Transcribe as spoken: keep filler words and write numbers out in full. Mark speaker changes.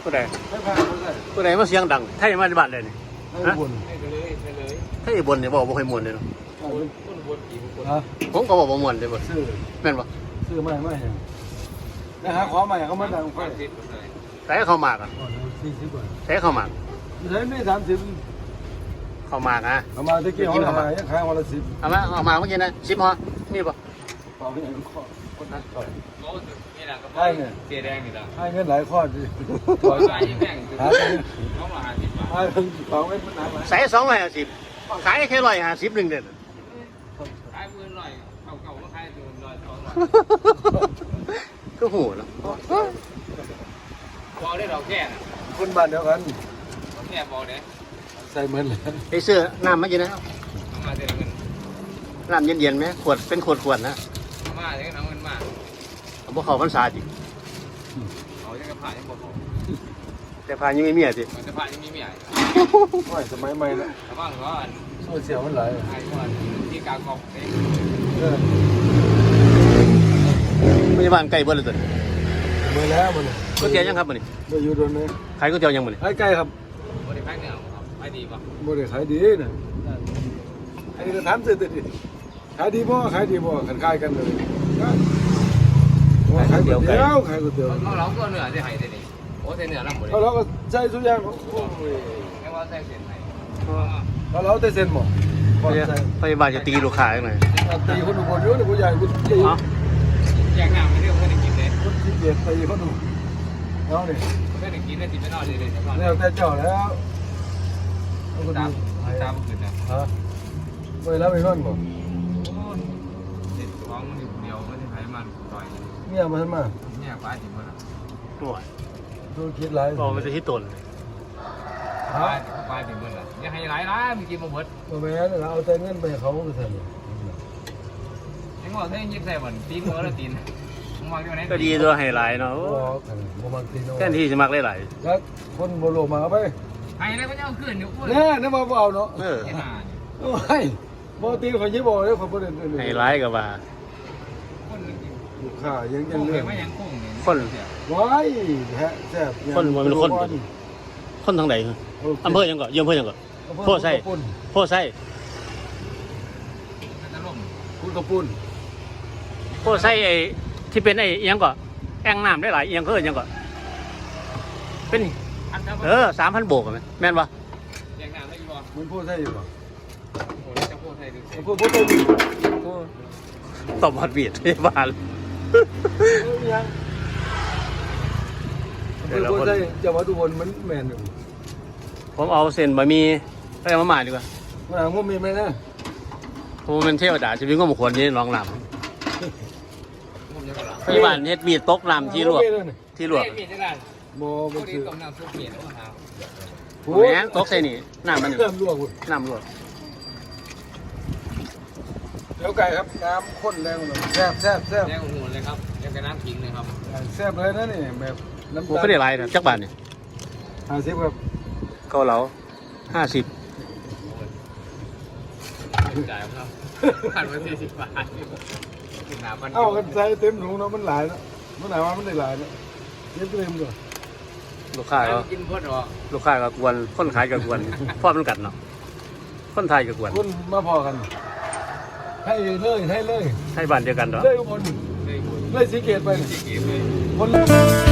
Speaker 1: ผู้ใด
Speaker 2: ไม่พาผู้ใด
Speaker 1: ผู้ใดมาเสียงดังไทยมาในบ้านเลยนี่
Speaker 2: ให้บุญ
Speaker 3: ให้ไปเลยไปเลย
Speaker 1: ไทยบนเนี่ยบอกบ่ค่อยม่วนเลยเนาะ
Speaker 3: คนบนกี่คน
Speaker 2: ฮะ
Speaker 1: ผมก็บอกบ่ม่วนเลยบ่
Speaker 2: ซื้อ
Speaker 1: แม่นบ่
Speaker 2: ซื้อไม่ไม่เห็นนะฮะขอใหม่เขามาดังไฟ
Speaker 1: แต่เข้ามากอ่ะ
Speaker 2: สี่สิบบาท
Speaker 1: แต่เข้ามาก
Speaker 2: ใช้ไม่สามสิบ
Speaker 1: เข้ามากอ่ะ
Speaker 2: เอามาตะกี้เขาขายขายวันละสิบ
Speaker 1: เอามาเอามาเมื่อกี้นะสิบห่อมีบ่
Speaker 2: ต่อไปอย่างข้อคนนั้นต่อย
Speaker 3: เขานี่แหละก็
Speaker 2: ได้เนี่ย
Speaker 3: เสียแดงนี่แหละ
Speaker 2: ให้เงินหลายข้อดิ
Speaker 3: ปล่อยไปยังแม่งคือเขามาหาสิบบาท
Speaker 2: ให้ถึงสองเงินมันหนักไหม
Speaker 1: ใส่สองร้อยห้าสิบขายแค่ร้อยห้าสิบหนึ่งเด็ด
Speaker 3: ขายมือหน่อยเก่าๆก็ขายตัวหน่อยสองร้อย
Speaker 1: ก็หูเนาะ
Speaker 3: พอได้เราแก่นะ
Speaker 2: คนบ้านเดียวกัน
Speaker 3: เราแก่พอเด้
Speaker 2: ใส่เหมือนเลย
Speaker 1: ไอ้เสื้อน้ำเมื่อกี้นะ
Speaker 3: เอามาเดือนเงิน
Speaker 1: น้ำเย็นๆไหมขวดเป็นขวดขวดๆนะ
Speaker 3: เอามาเดือนเอาเงินมา
Speaker 1: เอาพวกเขาพรรษาจิ
Speaker 3: เขาจะกระผ่ายังบอก
Speaker 1: แต่พายังไม่มีอ่ะจิ
Speaker 3: มันจะผ่ายังมีเมีย
Speaker 2: โอ้ยสมัยใหม่แล้ว
Speaker 3: แต่ว่าเขาอัน
Speaker 2: โซเชียลมันหลาย
Speaker 3: ไอ้ก่อนที่กากอกเอง
Speaker 2: เออ
Speaker 1: พยาบาลใกล้เบิดเลยตัวนี้
Speaker 2: เมื่อแล้วมัน
Speaker 1: ก๋วยเตี๋ยวยังครับมันนี่
Speaker 2: ไปอยู่โดนเลย
Speaker 1: ขายก๋วยเตี๋ยวยังมันนี่
Speaker 2: ขายไก่ครับ
Speaker 3: บริษัทเนี่ยครับไปดีป่ะ
Speaker 2: บ่ได้ขายดีนะอันนี้ก็ถามเสร็จดิขายดีบ่ขายดีบ่กันขายกันเลยขายก๋วยเตี๋ยวขายก๋วยเตี๋ยว
Speaker 3: เขาเราก็เหนือที่ไหนที่นี่โอ้เนื้อลำหมดเลย
Speaker 2: เขาเราก็ใช้ทุกอย่างโอ้ย
Speaker 3: แค่ว่าใส่เส้นไหน
Speaker 2: เขาเราได้เซ็นบ่พอใส่
Speaker 1: พยาบาลจะตีลูกค้ายังไง
Speaker 2: ตีคนอุบลเยอะเลยผู้ใหญ่ผู้ใหญ่
Speaker 1: อ๋อ
Speaker 3: แยกน้ำไม่เรื่องเพื่อนกินเลย
Speaker 2: คนที่เกียรตีคนอุเอาเนี่ย
Speaker 3: เพื่อนกินได้ติดไม่นอนเลยเลย
Speaker 2: แล้วแต่เจ้าแล้วเอาคน
Speaker 3: ตาม
Speaker 2: ดู
Speaker 3: ตามขึ้นนะ
Speaker 2: ฮะไปแล้วไปนอนบ่
Speaker 3: เด็ดท้องมันอยู่เดียวไม่ได้ใช้มันต่อย
Speaker 2: เมียมันมา
Speaker 3: เนี่ยป้าจิ๋มมัน
Speaker 1: หน่วย
Speaker 2: ดูคิดหลาย
Speaker 1: บอกมันจะที่ตน
Speaker 3: ป้าป้าจิ๋มมันอ่ะยังให้หลายล้านมีกินมาหมด
Speaker 2: บ่แม่นเราเอาแต่เงินไปให้เขาก็ใส่
Speaker 3: ยังบอกให้ยิบใส่บ่อนตีนหัวแล้วตีนมึงวางที่ไหน
Speaker 1: ก็ดีตัวไฮไลท์เนาะ
Speaker 2: บ่บ่มักตีโน
Speaker 1: แค่ที่จะมักหลาย
Speaker 2: แล้วคนบ่โลมาเอาไป
Speaker 3: ไอ้แล้วก็ยังขึ้นอยู่อ้วน
Speaker 2: แน่นึกว่าบ่เอาเนาะ
Speaker 1: ๆเออ
Speaker 3: เห็นหน้า
Speaker 2: โอ้ยบ่ตีข่อยยิบ่เด้อข่อยบ่ได้
Speaker 1: ไฮไลท์กับว่า
Speaker 3: คนนึงกิน
Speaker 2: ลูกค้ายัง
Speaker 3: โค้
Speaker 2: ยัง
Speaker 3: ง
Speaker 2: เรื่
Speaker 3: เล
Speaker 2: อย ง
Speaker 3: ไม่ยังโค้งเลย
Speaker 2: ว้ายแฮะแซ่บ
Speaker 1: คนมันเป็นคนคนทางไหนอำเภอยังก่อนยืมอำเภอยังก่อนโพไส้โพไส้
Speaker 3: จะล่ม
Speaker 2: คุณกระปุ้น
Speaker 1: โพไส้ไอ้ที่เป็นไอ้ยังก่อนแอ่งน้ำได้หลายยังเพิ่นยังก่อนเป็นเออสามพันโบกไหมแม่นปะ
Speaker 3: ยังงานไม่อยู่บ่
Speaker 2: มันพูดใช่อยู่ป่ะ
Speaker 3: โอ้จะพูดไทยดูสิ
Speaker 2: มันพูดพูดใช่อยู่
Speaker 1: ตบหัดเบียดพยาบาล
Speaker 2: ยังมันพูดใช่จังหวัดอุบลมันแม่นอยู่
Speaker 1: ผมเอาเส้นบะหมี่ไปเอามาหมาดีกว่า
Speaker 2: มันหางว่ามีไหมนะ
Speaker 1: ผมเป็นเทวดาชีวิตก็บุคคลนี้รองลำ
Speaker 3: ผมยังหลับ
Speaker 1: พยาบาลเฮ็ดมีดตกลำที่ลวกที่ลวก
Speaker 3: เปลี่ยนได้
Speaker 2: โม
Speaker 3: พ
Speaker 2: มั
Speaker 3: อน ดี
Speaker 2: คือ
Speaker 3: ต้มน้ำซุปเปลี่ยนแล้วครับ
Speaker 1: แหมตกใส่นี่น้ำมัน
Speaker 2: เริ่มลวก
Speaker 1: น้ำลวก
Speaker 2: เดี๋ยวไก่ครับน้ำข้นแรงเลยแซ่บแซ่บแซ่บ
Speaker 3: แรงหัวเลยครับยังกระน้ำทิ้งเลยครับ
Speaker 2: แซ่บเลยนะนี่แบบน้ำ
Speaker 1: ผม
Speaker 2: ตาล
Speaker 1: ก็ได้หลายนะจักบาทนี่
Speaker 2: ห้าสิบครับ
Speaker 1: เกาเหลาห้าสิบ
Speaker 3: จ่ายครับผ่านมาสี่สิบบาทหนาพัน
Speaker 2: เอ้ากันใส่เต็มถุงเนาะมันหลายเนาะมันหลายว่ามันได้หลายเนาะเต็มเต็มเลย
Speaker 1: ลูกค้าก็
Speaker 3: กินพอดหรอ
Speaker 1: ลูกค้าก็กวนคนขายก็กวนพ่อมันกัดเนาะคนไทยก็กวน
Speaker 2: คุณมาพอกัน ให้เลยให้เลย
Speaker 1: ให้บ้านเดียวกันเนาะ
Speaker 2: เลยอุบล
Speaker 3: เลย
Speaker 2: เลยสีเกตไป
Speaker 3: สี่กิโลเลย
Speaker 2: คน